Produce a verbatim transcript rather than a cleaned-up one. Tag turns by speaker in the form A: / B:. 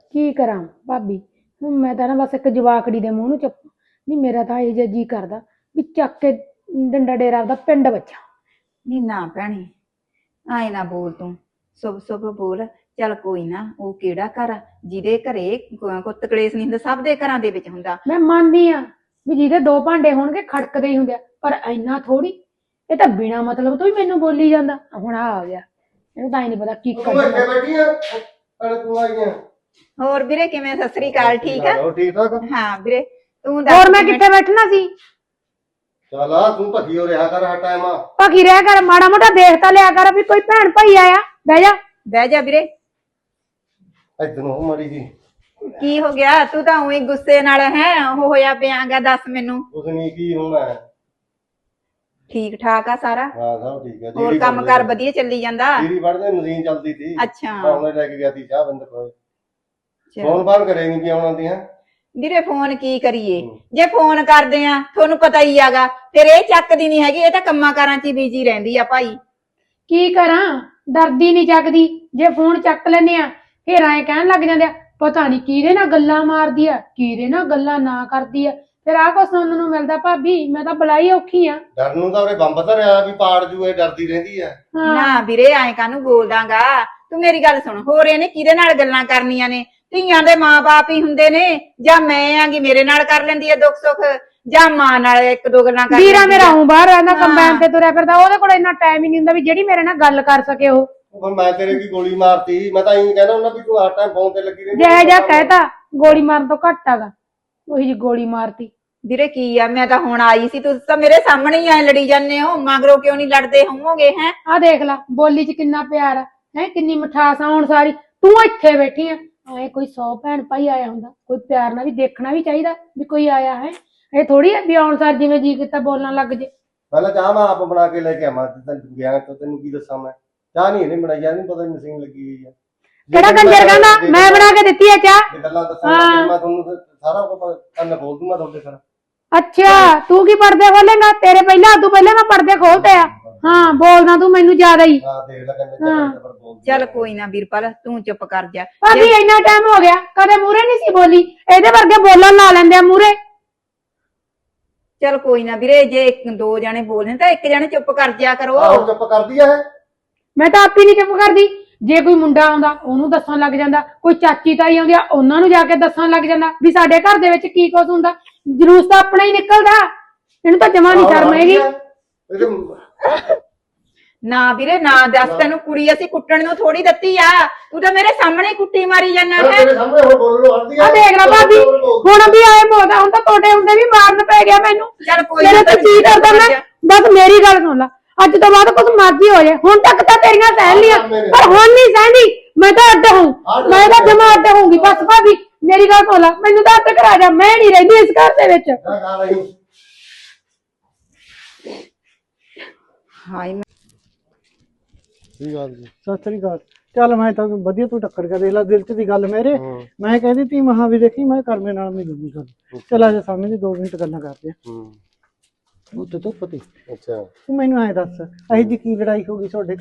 A: ਕੀ ਕਰਾਂ ਭਾਬੀ। ਹੁਣ ਮੈਂ ਤਾਂ ਨਾ ਬਸ ਇੱਕ ਜਵਾਕੜੀ ਦੇ ਮੂੰਹ ਨੂੰ ਚੱਪ ਨਹੀਂ, ਮੇਰਾ ਤਾਂ ਇਹ ਜਿਹਾ ਜੀ ਕਰਦਾ ਵੀ ਚੱਕ ਕੇ ਡੰਡਾ ਡੇਰਾ ਆਪਦਾ ਪਿੰਡ ਬੱਚਾ।
B: ਨੀ ਨਾ ਭੈਣੇ ਆਏ ਨਾ ਬੋਲ ਤੂੰ, ਸੁਭ ਸੁਭ ਬੋਲ। ਚੱਲ ਕੋਈ ਨਾ, ਉਹ ਕਿਹੜਾ ਘਰ ਆ ਜਿਹਦੇ ਘਰੇ ਕੋ- ਕੁੱਤ ਕਲੇਸ਼ ਨਹੀਂ ਹੁੰਦਾ, ਸਭ ਦੇ ਘਰਾਂ ਦੇ ਵਿੱਚ ਹੁੰਦਾ।
A: ਮੈਂ ਮੰਨਦੀ ਆ ਵੀ ਜਿਹਦੇ ਦੋ ਭਾਂਡੇ ਹੋਣਗੇ ਖੜਕਦੇ ਹੀ ਹੁੰਦੇ ਆ, ਪਰ ਇੰਨਾ ਥੋੜੀ। ਇਹ ਤਾਂ ਬਿਨਾ ਮਤਲਬ ਤੋਂ ਹੀ ਮੈਨੂੰ ਬੋਲੀ ਜਾਂਦਾ। ਹੁਣ ਆ ਆ ਗਿਆ, ਇਹਨੂੰ ਤਾਂ ਹੀ ਨਹੀਂ ਪਤਾ ਕੀ
C: ਤੂੰ
A: ਕਰਨਾ।
C: ਇੱਥੇ ਬੈਠੀ ਆ ਅਰੇ ਤੂੰ ਆਈ ਆ
B: ਹੋਰ ਵੀਰੇ ਕਿਵੇਂ? ਸਤਿ ਸ੍ਰੀ ਅਕਾਲ। ਠੀਕ ਆ?
C: ਹੋ ਠੀਕ ਠਾਕ?
B: ਹਾਂ ਵੀਰੇ ਤੂੰ
A: ਹੋਰ ਮੈਂ
B: ਕਿਵੇਂ-
A: ਕਿੱਥੇ ਬੈਠਣਾ ਸੀ?
C: ਚੱਲ ਆ ਤੂੰ ਭੱਜੀ ਹੋ ਰਿਹਾ ਕਰ ਹਰ ਟਾਈਮ ਆ
A: ਭਗੀ ਰਹਿ ਕਰ, ਮਾੜਾ ਮੋਟਾ ਦੇਖ ਤਾਂ ਲਿਆ ਕਰ ਵੀ ਕੋਈ ਭੈਣ ਭਾਈ ਆਇਆ। ਬਹਿ ਜਾ।
B: ਬਹਿ ਜਾ ਵੀਰੇ।
C: ਇਧਰ ਨੂੰ ਮੜੀ ਜੀ।
B: ਕੀ ਹੋ ਗਿਆ? ਤੂੰ ਤਾਂ ਉਹੀ ਗੁੱਸੇ ਨਾਲ ਹੈ ਉਹ ਹੋਇਆ ਪਿਆਗਾ। ਦੱਸ ਮੈਨੂੰ।
C: ਕੁਛ ਨਹੀਂ, ਕੀ ਹੋਣਾ ਹੈ?
B: ਠੀਕ ਠਾਕ ਆ ਸਾਰਾ?
C: ਹਾਂ ਸਭ ਠੀਕ ਹੈ।
B: ਹੋਰ ਕੰਮ ਕਾਰ ਵਧੀਆ ਚੱਲੀ ਜਾਂਦਾ?
C: ਜੀਰੀ ਵੜਦੇ ਮਸ਼ੀਨ ਚੱਲਦੀ ਸੀ।
B: ਅੱਛਾ
C: ਉਹਨੇ ਲੈ ਕੇ ਗਿਆ ਸੀ ਚਾਹ ਬੰਦ ਕੋਲ। ਫੋਨ ਫਾਨ ਕਰੇਗੀ ਵੀ ਆਉਣਾ ਦੀ ਹੈ
B: ਵੀਰੇ। ਫੋਨ ਕੀ ਕਰੀਏ, ਜੇ ਫੋਨ ਕਰਦੇ ਆ ਤੁਹਾਨੂੰ ਪਤਾ ਹੀ ਆਗਾ, ਫਿਰ ਇਹ ਚੱਕਦੀ ਨਹੀਂ ਹੈਗੀ। ਇਹ ਤਾਂ ਕੰਮਾਂ ਕਾਰਾਂ 'ਚ ਹੀ ਬਿਜੀ ਰਹਿੰਦੀ ਆ ਭਾਈ।
A: ਕੀ ਕਰਾਂ, ਡਰਦੀ ਨਹੀਂ ਚੱਕਦੀ। ਜੇ ਫੋਨ ਚੱਕ ਲੈਨੇ ਆ ਫਿਰ ਐਂ ਕਹਿਣ ਲੱਗ ਜਾਂਦੇ ਆ ਪਤਾ ਨਹੀਂ ਕਿਹਦੇ ਨਾਲ ਗੱਲਾਂ ਮਾਰਦੀ ਆ, ਕਿਹਦੇ ਨਾਲ ਗੱਲਾਂ ਨਾ ਕਰਦੀ ਆ। ਫਿਰ ਆਹ ਕੁਛ ਸੁਣਨ ਨੂੰ ਮਿਲਦਾ ਭਾਬੀ। ਮੈਂ ਤਾਂ ਬਲਾਈ ਔਖੀ ਆ।
C: ਡਰ ਨੂੰ ਤਾਂ ਉਹਨੇ ਬੰਬ ਧਰਿਆ ਵੀ ਪਾੜ ਜੂ, ਇਹ ਡਰਦੀ ਰਹਿੰਦੀ ਹੈ।
B: ਨਾ ਵੀਰੇ ਐਂ ਕਾਹਨੂੰ ਬੋਲਦਾਗਾ ਤੂੰ? ਮੇਰੀ ਗੱਲ ਸੁਣ, ਹੋਰ ਇਹਨੇ ਕਿਹਦੇ ਨਾਲ ਗੱਲਾਂ ਕਰਨੀਆਂ ਨੇ? ਧੀਆਂ ਦੇ ਮਾਂ-ਬਾਪ ਹੀ ਹੁੰਦੇ ਨੇ। ਜਾਂ ਮੈਂ ਆਂਗੀ ਮੇਰੇ ਨਾਲ ਕਰ ਲੈਂਦੀ ਆ ਦੁੱਖ ਸੁੱਖ, ਜਾਂ ਮਾਂ ਨਾਲ ਇੱਕ ਦੋ ਗੱਲਾਂ ਕਰ
A: ਵੀਰਾ
B: ਲੈਂਦੀ ਆ।
A: ਮੇਰਾ ਹੂੰ ਬਾਹਰ ਰਹਿੰਦਾ, ਕੰਬਾਈਨ ਤੇ ਤੁਰਿਆ ਫਿਰਦਾ। ਉਹਦੇ ਕੋਲ ਇੰਨਾ ਟਾਈਮ ਹੀ ਨਹੀਂ ਹੁੰਦਾ ਵੀ ਜਿਹੜੀ ਮੇਰੇ ਨਾਲ ਗੱਲ ਕਰ ਸਕੇ ਉਹ।
C: ਉਹ ਮੈਂ ਤੇਰੇ ਕੀ ਗੋਲੀ ਮਾਰਤੀ? ਮੈਂ ਤਾਂ ਇਹੀ ਕਹਿਣਾ ਉਹਨਾਂ ਵੀ ਤੂੰ ਹਰ ਟਾਈਮ ਫੋਨ ਤੇ ਲੱਗੀ ਰਹਿੰਦੀ।
A: ਜਿਹੇ ਜਿਹਾ ਕਹਿਤਾ ਗੋਲੀ ਮਾਰਨ ਤੋਂ ਘੱਟ ਆਗਾ, ਉਹੀ ਜੀ ਗੋਲੀ ਮਾਰਤੀ।
B: ਵੀਰੇ ਕੀ ਆ, ਮੈਂ ਤਾਂ ਹੁਣ ਆਈ ਸੀ, ਤੁਸੀਂ ਤਾਂ ਮੇਰੇ ਸਾਹਮਣੇ ਹੀ ਐ ਲੜੀ ਜਾਂਦੇ ਹੋ। ਮਗਰੋਂ ਕਿਉਂ ਨਹੀਂ ਲੜਦੇ ਹੋਵੋਗੇ? ਹੈ
A: ਆਹ ਦੇਖ ਲਾ ਬੋਲੀ ਚ ਕਿੰਨਾ ਪਿਆਰ ਆ, ਹੈ ਕਿੰਨੀ ਮਿਠਾਸ ਆ। ਹੁਣ ਸਾਰੀ ਤੂੰ ਇੱਥੇ ਬੈਠੀ ਆ। ਐ ਕੋਈ ਸੌ ਭੈਣ ਭਾਈ ਆਇਆ ਹੁੰਦਾ, ਕੋਈ ਪਿਆਰ ਨਾਲ ਵੀ ਦੇਖਣਾ ਵੀ ਚਾਹੀਦਾ ਵੀ ਕੋਈ ਆਇਆ ਹੈ। ਇਹ ਥੋੜੀ ਆ ਵੀ ਆਉਣ ਸਾਰ ਜਿਵੇਂ ਜੀ ਕੀਤਾ ਬੋਲਣ ਲੱਗ ਜੇ।
C: ਪਹਿਲਾਂ ਚਾਹ ਮੈਂ ਆਪ ਬਣਾ ਕੇ ਲੈ ਕੇ ਆਵਾਂ। ਤੈਨੂੰ ਗਿਆ ਤਾਂ ਤੈਨੂੰ ਕੀ ਦੱਸਾਂ ਮੈਂ? ਚਾਹ ਨਹੀਂ ਇਹਨੇ ਬਣਾਈ, ਜਾਂ ਨਹੀਂ ਪਤਾ ਮਸ਼ੀਨ ਲੱਗੀ ਹੋਈ ਆ।
A: ਕਿਹੜਾ ਕੰਜਰ ਕਹਿੰਦਾ ਮੈਂ ਬਣਾ ਕੇ ਦਿੱਤੀ ਆ ਚਾਹ?
C: ਜੇ ਗੱਲਾਂ ਦੱਸਾਂ ਮੈਂ ਤੁਹਾਨੂੰ ਫਿਰ ਸਾਰਾ ਕੁਝ ਕੰਨ ਖੋਲ ਦੂੰਗਾ ਤੁਹਾਡੇ ਘਰ।
A: ਅੱਛਾ ਤੂੰ ਕੀ ਪਰਦੇ ਖੋਲੇਗਾ? ਤੇਰੇ ਪਹਿਲਾਂ ਤੂੰ ਪਹਿਲਾਂ ਮੈਂ ਪਰਦੇ ਖੋਲਤੇ ਆ। ਹਾਂ ਬੋਲਦਾ ਤੂੰ ਮੈਨੂੰ ਜ਼ਿਆਦਾ ਹੀ।
C: ਹਾਂ ਦੇਖ ਲੈ ਕੰਨ ਚੱਲ ਪਰ ਬੋਲ।
B: ਚੱਲ ਕੋਈ ਨਾ ਵੀਰਪਾਲ, ਤੂੰ ਚੁੱਪ ਕਰ ਜਾ।
A: ਭਾਬੀ ਇੰਨਾ ਟਾਈਮ ਹੋ ਗਿਆ ਕਦੇ ਮੂਰੇ ਨਹੀਂ ਸੀ ਬੋਲੀ, ਇਹਦੇ ਵਰਗੇ ਬੋਲਣ ਲਾ ਲੈਂਦੇ ਆ ਮੂਰੇ।
B: ਚੱਲ ਕੋਈ ਨਾ ਵੀਰੇ, ਜੇ ਇੱਕ ਦੋ ਜਣੇ ਬੋਲਦੇ ਤਾਂ ਇੱਕ ਜਣੇ ਚੁੱਪ ਕਰ ਜਾ ਕਰੋ।
C: ਆਹੋ ਚੁੱਪ ਕਰਦੀ ਆ ਇਹ।
A: ਮੈਂ ਤਾਂ ਆਪ ਹੀ ਨਹੀਂ ਚੁੱਪ ਕਰਦੀ। ਜੇ ਕੋਈ ਮੁੰਡਾ ਆਉਂਦਾ ਉਹਨੂੰ ਦੱਸਣ ਲੱਗ ਜਾਂਦਾ, ਕੋਈ ਚਾਚੀ ਤਾਈ ਆਉਂਦੀ ਆ ਉਹਨਾਂ ਨੂੰ ਜਾ ਕੇ ਦੱਸਣ ਲੱਗ ਜਾਂਦਾ ਵੀ ਸਾਡੇ ਘਰ ਦੇ ਵਿੱਚ ਕੀ ਕੁਝ ਹੁੰਦਾ। ਜਲੂਸ ਤਾਂ ਆਪਣਾ ਹੀ ਨਿਕਲਦਾ। ਇਹਨੂੰ ਤਾਂ ਜਮਾ ਨਹੀਂ ਸ਼ਰਮ ਹੈਗੀ।
B: ਨਾ ਵੀਰੇ ਨਾ ਦੱਸ, ਤੈਨੂੰ ਕੁੜੀ ਅਸੀਂ ਕੁੱਟਣ ਨੂੰ ਥੋੜੀ ਦਿੱਤੀ ਆ। ਤੂੰ ਤਾਂ ਮੇਰੇ ਸਾਹਮਣੇ ਕੁੱਟੀ ਮਾਰੀ ਜਾਂਦਾ ਹੈ।
C: ਤੇਰੇ ਸਾਹਮਣੇ ਹੁਣ ਬੋਲਣ ਨੂੰ ਹਟਦੀ ਆ।
A: ਆ ਦੇਖ ਲੈ ਭਾਬੀ ਹੁਣ ਵੀ ਆਏ ਬੋਲਦਾ। ਹੁਣ ਤਾਂ ਤੁਹਾਡੇ ਹੁੰਦੇ ਵੀ ਮਾਰਨ ਪੈ ਗਿਆ ਮੈਨੂੰ।
B: ਚੱਲ ਕੋਈ
A: ਮੇਰੇ
B: ਨਾ,
A: ਤੇ ਕੀ ਕਰਦਾ ਮੈਂ? ਬਸ ਮੇਰੀ ਗੱਲ ਸੁਣ ਲੈ, ਅੱਜ ਤੋਂ ਬਾਅਦ ਕੁਝ ਮਰਜ਼ੀ ਹੋ ਜਾਏ। ਹੁਣ ਤੱਕ ਤਾਂ ਤੇਰੀਆਂ ਸਹਿ ਲੀਆਂ, ਪਰ ਹੁਣ ਨਹੀਂ ਸਹਿੰਦੀ। ਮੈਂ ਤਾਂ ਅੱਡ ਹੂੰ, ਮੈਂ ਤਾਂ ਜਮਾ ਅੱਡ ਹੋਊਂਗੀ। ਬਸ ਭਾਬੀ ਮੇਰੀ ਗੱਲ ਸੁਣ ਲੈ, ਮੈਨੂੰ ਤਾਂ ਅੱਡ ਕਰਾ ਜਾ। ਮੈਂ ਨਹੀਂ ਰਹਿੰਦੀ ਇਸ ਘਰ ਦੇ ਵਿੱਚ।
B: ਹਾਏ
C: ਸਹੀ ਗੱਲ ਜੀ।
D: ਸਤਿ ਸ੍ਰੀ ਅਕਾਲ। ਚੱਲ ਮੈਂ ਤਾਂ ਵਧੀਆ ਤੂੰ ਟੱਕਰ ਕੇ ਦੇਖ ਲੈ ਦਿਲ ਚ ਦੀ ਗੱਲ ਮੇਰੇ। ਮੈਂ ਕਹਿੰਦੀ ਤੀ ਮਹਾ ਵੀ ਦੇਖੀ ਮੈਂ ਕਰਮੇ ਨਾਲ ਮਿਲੂਗੀ ਗੱਲ। ਚੱਲ ਆ ਜਾ ਸਾਹਮਣੇ ਦੀ ਦੋ ਮਿੰਟ ਗੱਲਾਂ ਕਰਦੇ ਆ।
C: ਹੂੰ
D: ਉੱਤੇ ਤੋਂ ਪਤੀ
C: ਅੱਛਾ
D: ਤੂੰ ਮੈਨੂੰ ਐਂ ਦੱਸ ਅਹੀ ਜੀ ਕੀ ਲੜਾਈ ਹੋ ਗਈ ਤੁਹਾਡੇ